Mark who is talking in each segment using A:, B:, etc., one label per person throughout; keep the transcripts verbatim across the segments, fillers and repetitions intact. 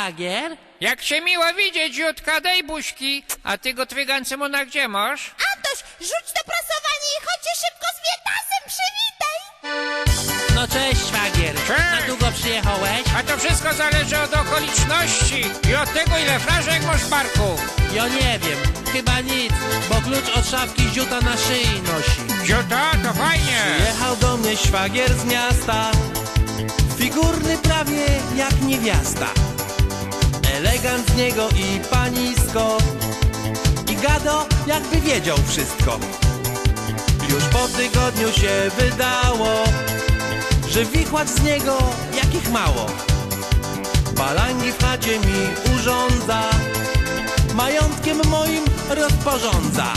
A: szwagier?
B: Jak się miło widzieć, Jutka, daj buźki. A ty go twygancymona gdzie masz?
C: Antoś, rzuć to prasowanie i chodźcie szybko z Wietasem, przywitaj!
A: No cześć, szwagier.
B: Cześć.
A: Na długo przyjechałeś?
B: A to wszystko zależy od okoliczności i od tego, ile flaszek masz w barku.
A: Ja nie wiem, chyba nic, bo klucz od szafki ziuta na szyi nosi.
B: Ziuta, to fajnie.
D: Jechał do mnie szwagier z miasta, figurny prawie jak niewiasta. Elegant z niego i panisko, i gado jakby wiedział wszystko. Już po tygodniu się wydało, że wichłacz z niego jakich mało. Balangi w chacie mi urządza, majątkiem moim rozporządza.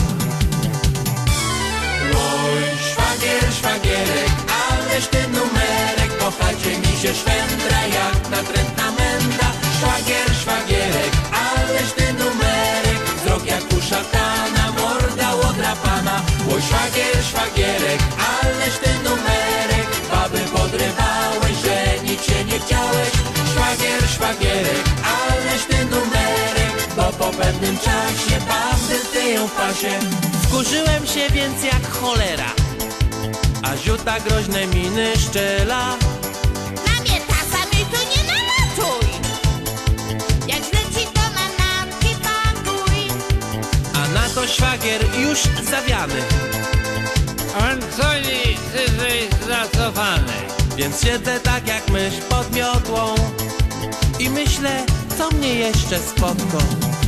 D: Oj, szwagier, szwagierek, ależ ty numerek, po chacie mi się szwendra jak natrętna menda. Szwagier, szwagierek, ależ ty numerek, wzrok jak u szatana, morda łodrapana. Oj, szwagier, szwagierek, ależ ty numerek, baby podrywałeś, że nic się nie chciałeś. Szwagier, szwagierek, ależ ty numerek, bo po pewnym czasie baby tyją w pasie.
A: Wkurzyłem się więc jak cholera.
D: A ziuta groźne miny szczela.
C: Na Wietasa mi tu nie nalatuj! Jak źle ci to manatki pakuj!
D: A na to szwagier już zawiany,
B: Antoni, ty jesteś zacofany.
D: więc siedzę tak jak mysz pod miotłą i myślę, co mnie jeszcze spotka.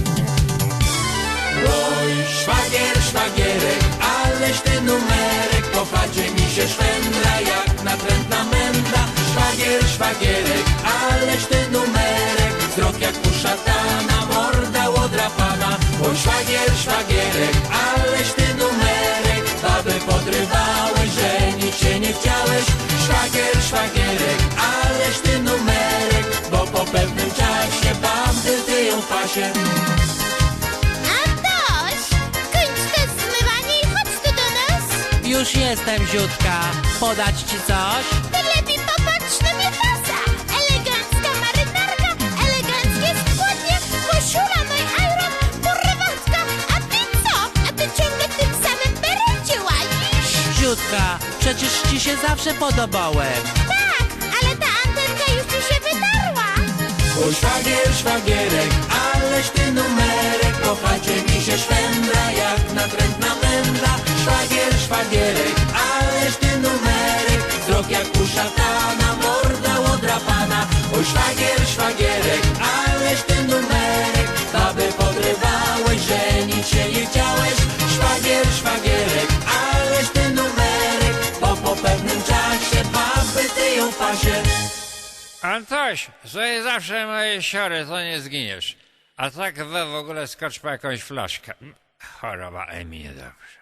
D: Oj, szwagier, szwagierek, ależ ty numerek, po chacie mi się szwendra jak natrętna menda. Szwagier, szwagierek, ależ ty numerek, wzrok jak u szatana, morda łodrapana. Oj, szwagier, szwagierek, ależ ty numerek, baby podrywałeś, że nic się nie chciałeś. Szwagier, szwagierek, ależ ty numerek, bo po pewnym czasie baby tyją w pasie.
C: Antoś, kończ to zmywanie i chodź tu do nas!
A: Już jestem, ziutka. Podać ci coś?
C: Ty lepiej popatrz na Wietasa! Elegancka marynarka, eleganckie spodnie, koszula, no i iron, porwatka! A ty co? A ty ciągle w tym samym berecie łazisz?
A: Ziutka, przecież ci się zawsze podobałem.
C: Tak, ale ta antenka już ci się wydarła!
D: Oj, szwagier, szwagierek, ależ ty numerek, po chacie mi się szwendra jak natrętna menda. Szwagier, szwagierek, ależ ty numerek, wzrok jak u szatana, morda łodrapana. Oj, szwagier, szwagierek, ależ ty numerek, baby podrywałeś, że nic się nie chciałeś. Szwagier, szwagierek, ależ ty numerek, bo po pewnym czasie baby tyją w pasie.
B: Antoś, sobie zawsze moje siory, to nie zginiesz. A tak we w ogóle skocz po jakąś flaszkę. Choroba Emi niedobrze.